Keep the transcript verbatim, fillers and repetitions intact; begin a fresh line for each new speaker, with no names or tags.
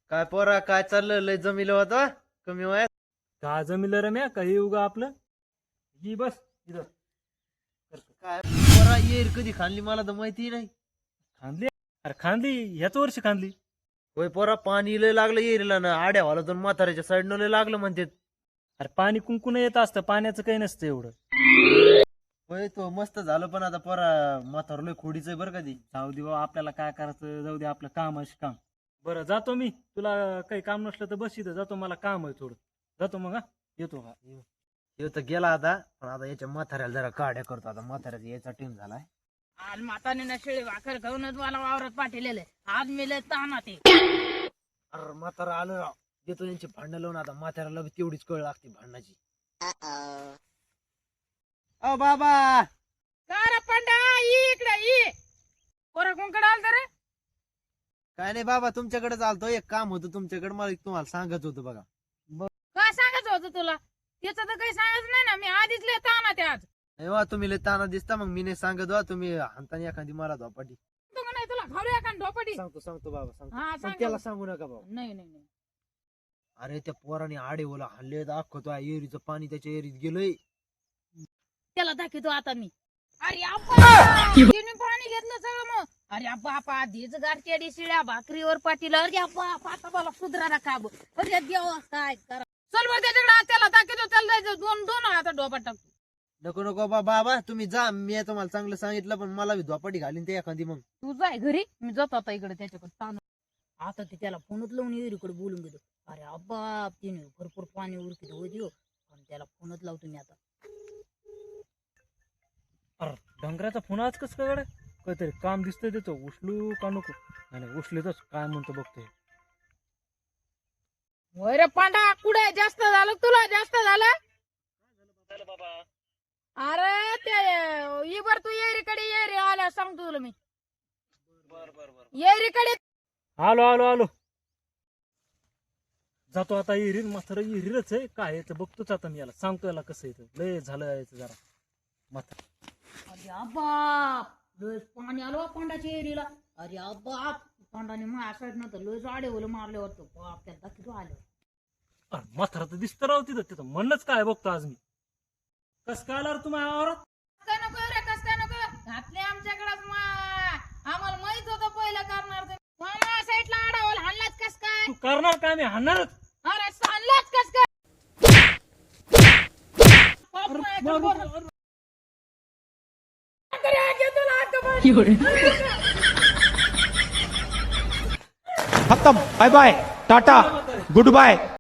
काय पोरा काय चाललं लय जमिलं होता कमी वयात.
का जमिलं रम्या काही उगा आपलं ही बस इथं
काय पोरा येईल कधी खाल्ली मला तर माहिती नाही.
खांदली अरे खांदली ह्याच वर्षी खांदली.
होय पोरा पाणी लय लागलं येरीला ना आड्या वाला तर म्हाताऱ्याच्या साईडनं लय लागलं म्हणते.
अरे पाणी कुंकुन येत असतं पाण्याचं काही नसतं एवढं.
होय तो मस्त झालं पण आता पोरा म्हातार लय खोडीच बरं कधी.
जाऊ दे बाबा आपल्याला काय करायचं जाऊ दे आपलं काम आहे काम. बरं जातो मी तुला काही काम नसलं तर बस इथं जातो मला काम आहे थोडं जातो मग हा येतो हा
ह्यो तर गेला आता पण आता याच्या म्हाताऱ्याला जरा काड्या करतो आता म्हाताऱ्याचा याचा टीम झालाय.
आज माताने ना शेळी भाकर खाऊनच मला वावरात पाठवलेलं आज मी लय ताना ते
अरे म्हातारा आलं राव देतो यांची भांडणं लावून आता म्हाताऱ्याला बी तेवढीच कळ लागते भांडणाची. अ बाबा
कार पंडा ये इकडे ये पोरा कोणकडे आलता रे.
काय नाही बाबा तुमच्याकडे चालतो एक काम होतं तुमच्याकडे मला एक तुम्हाला सांगत होतं बघा.
काय सांगायचं होतं तुला त्याचं तर काही सांगायचं नाही ना मी आधीच लय ताना ते आज
नाही वा तुम्ही लय ताना दिसता मग मी नाही सांगत वा तुम्ही हाताने एखादी मला धोपाटी.
तू का नाही तुला घालूया का ढोपटी.
सांगतो सांगतो बाबा सांगतो
हा
पण
सांग
त्याला सांगू नका बाबा.
नाही नाही नाही
अरे त्या पोराने आडे ओला हल्ले दाखवतो एरीचं पाणी त्याच्या एरीत गेलंय.
त्याला दाखवतो आता मी. अरे अप्पा तिने पाणी घेतलं सगळं मग. अरे अप्पा अप्पा आधीच गारकेडी शिळ्या भाकरीवर पाटील अरे अप्पा आता मला सुधरा ना का बघ देवा काय करा. चल बरं त्याच्याकडे त्याला दाखवतो त्याला जायचं दोन दोन आता डोपा टाकतो.
नको नको बाबा बाबा तुम्ही जा मी तुम्हाला चांगलं सांगितलं पण मला बी धोपाटी घालीन ते एखादी मग.
तू जाय घरी मी जातो आता इकडे त्याच्याकडे ताण. आता ते त्याला फोनच लावून इकडे बोलून घेतो. अरे अब्बा तिने भरपूर पाणी उरकित होती पण त्याला फोनच लावतो मी आता.
अरे डंगराचा फोन आज कसं काय काहीतरी काम दिसतंय त्याचं उचलू का नको नाही उचलेतच काय म्हणतो बघतोय.
होय रे पांडा कुठे जास्त झालं तुला जास्त झालं. अरे ते इबर तू येरीकडे येरी आल्या सांगतो तुला मी येरीकडे.
आलो आलो आलो जातो आता इरीर मात्र इरीरच आहे काय याचं बघतोच आता मी याला सांगतो याला कसं येतं लय झालं याचं जरा मात्र.
अरे बाप लय पाणी आलो पांडाच्या एरीला. अरे बाप पांडाने माझ्या साईड नव्हतं लय जाडे ओलं मारले वाटतं बाप त्याला दाखवतो आलं.
अरे मात्र तर दिसतं राव तिथं तिथं म्हणलंच काय बघतो आज मी. कस काय आला रे तुम्ही आवरात.
काय नको रे कस काय नको घातले आमच्याकडेच आम्हाला माहित होतं पहिलं करणार तुम्हाला साईडला आडावल हाणलाच कस काय.
तू करणार काय मी हाणणारच.
अरे सांगलाच कस काय.
खत्म बाय बाय टाटा गुड बाय.